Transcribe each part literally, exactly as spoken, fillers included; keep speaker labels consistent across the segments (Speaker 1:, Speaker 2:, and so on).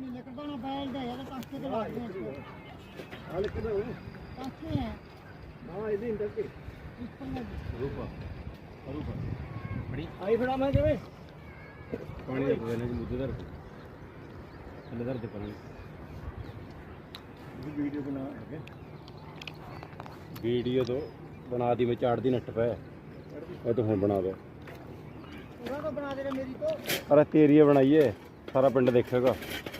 Speaker 1: नहीं निकलता ना बैल दे यार कांटे के लाग दे
Speaker 2: हाल किधर हो
Speaker 1: कांटे हैं
Speaker 2: हां इधर इंटर के
Speaker 1: ऊपर में
Speaker 2: रूपा रूपा बड़ी आई फड़ा मैं केवे पानी दे पवे ने मुद्दे दर थल्ले दर दे पानी वीडियो बना के वीडियो तो बना दी मैं चाड़ दी नट पे वो तो हुन बना दे
Speaker 1: पूरा तो बना दे रे मेरी तो
Speaker 2: अरे तेरी है बनाइए सारा पिंड देखेगा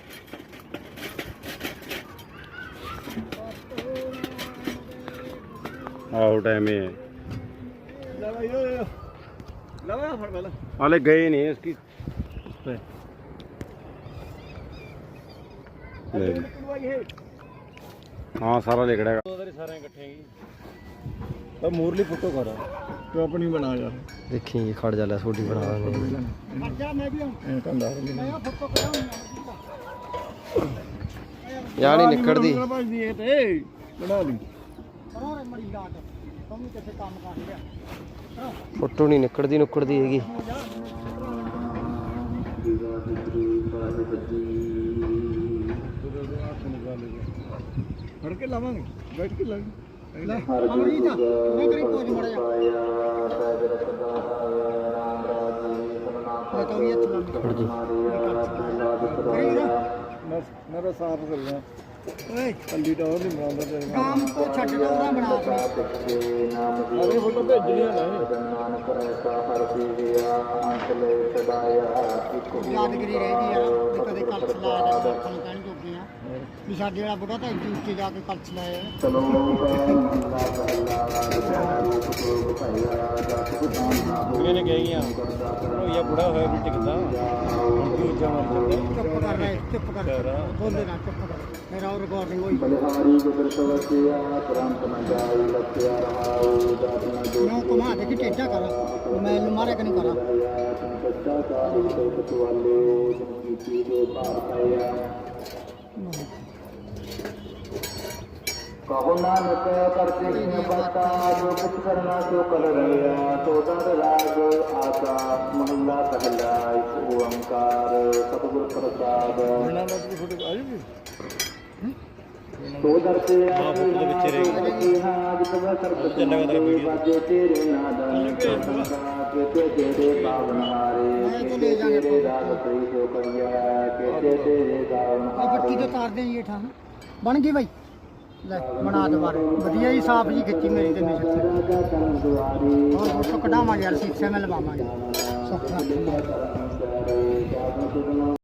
Speaker 2: आओ टाइम है हाले गए नहीं इसकी हाँ सारा लिखड़ा सारे इकट्ठे तो मूरली फोटो करा तो अपनी बना जा
Speaker 3: देखी खड़ जा छोटी बना
Speaker 1: हट जा मैं भी हूं मैं फोटो कराऊं
Speaker 3: यार नहीं निकलदी
Speaker 2: बना ली
Speaker 1: करो रे मड़ी लाट तुम कैसे काम कर लिया
Speaker 3: फोटो नहीं निकलदी नुकड़दी हैगी
Speaker 2: फड़ के लावांगे बैठ के लाएंगे
Speaker 1: ले अमरी जा मैं करी पोज मड़ जा मैं तो ये चला
Speaker 3: खड़ जी
Speaker 1: करी ना
Speaker 2: मैं मेरा साफ कर रहा
Speaker 1: ओए
Speaker 2: कल्ली तो नहीं बनाਉਂਦਾ ਤੇ
Speaker 1: काम को छट दे ਉਹਦਾ ਬਣਾ ਕੇ
Speaker 2: ਅਰੇ ਫੋਟੋ ਭੇਜਣੀਆਂ ਨੇ
Speaker 1: ਯਾਦਗਰੀ ਰਹਿ ਗਈ ਯਾਰ ਵੀ ਕਦੇ ਕਲਚ ਲਾਇਆ ਦਾ ਅੱਖਾਂ ਨੂੰ ਕਹਿਣ ਜੋਗੇ ਆ ਵੀ ਸਾਡੇ ਵਾਲਾ ਬੁੱਢਾ ਤਾਂ ਇੱਥੇ ਉੱਤੇ ਜਾ ਕੇ ਕਲਚ ਲਾਇਆ
Speaker 2: ਕੁੜੀਆਂ ਨੇ ਕਹੀਆਂ ਉਹ ਇਹ ਬੁੜਾ ਹੋਇਆ ਵੀ ਟਿਕਦਾ ਹੁਣ ਕੀ ਉੱਚਾ ਮਾਰ ਜਾਂਦਾ
Speaker 1: ਚੁੱਪ ਕਰ ਲੈ ਚੁੱਪ ਕਰ ਬੋਲੇ ਨਾ ਚੁੱਪ ਕਰ ਮੇਰਾ ਉਹ ਰਿਕਾਰਡਿੰਗ ਹੋਈ ਮੈਂ ਕਮਾ ਦੇ ਕਿ ਟੇਡਾ ਕਰ ਮੈਂ ਇਹਨੂੰ ਮਾਰੇ ਕਿ ਨਹੀਂ ਕਰਾਂ
Speaker 4: कहो नानक करते हैं बता जो कुछ करना तो कर रहा तो दर राग आका महिला पहला इस ओंकार सतगुरु प्रसाद
Speaker 2: ਇਹਨਾਂ ਦਾ ਵੀ ਫੋਟੋ ਆ ਜੂਗੀ
Speaker 4: तो दर से
Speaker 2: ਹਾਂ ਫੋਟੋ ਦੇ ਵਿੱਚ ਰਹੇਗੀ
Speaker 4: हाँ जितना सर्व
Speaker 2: ਚੱਲੇਗਾ ਤੇਰਾ ਵੀਡੀਓ
Speaker 4: बाजे तेरे नादा के तेरे पावन हारे के तेरे राग कई जो करिया के तेरे गावन
Speaker 1: ਆ ਬੱਤੀ ਤੋਂ ਤਾਰ ਦੇ ਜੀ ਠਾਂ ਬਣ ਗਈ ਬਾਈ ਲੈ ਬਣਾ ਦੁਬਾਰੇ ਵਧੀਆ ਜੀ ਸਾਫ ਜੀ ਖਿੱਚੀ ਮੇਰੀ ਤੇ ਨਿਸ਼ਚਿਤ ਹੋਰ ਫੋਟੋ ਕਢਾਵਾਂਗੇ ਯਾਰ ਸੀਸੇ ਮੈਂ ਲਵਾਵਾਂਗੇ ਸੁੱਖ ਨਾਲ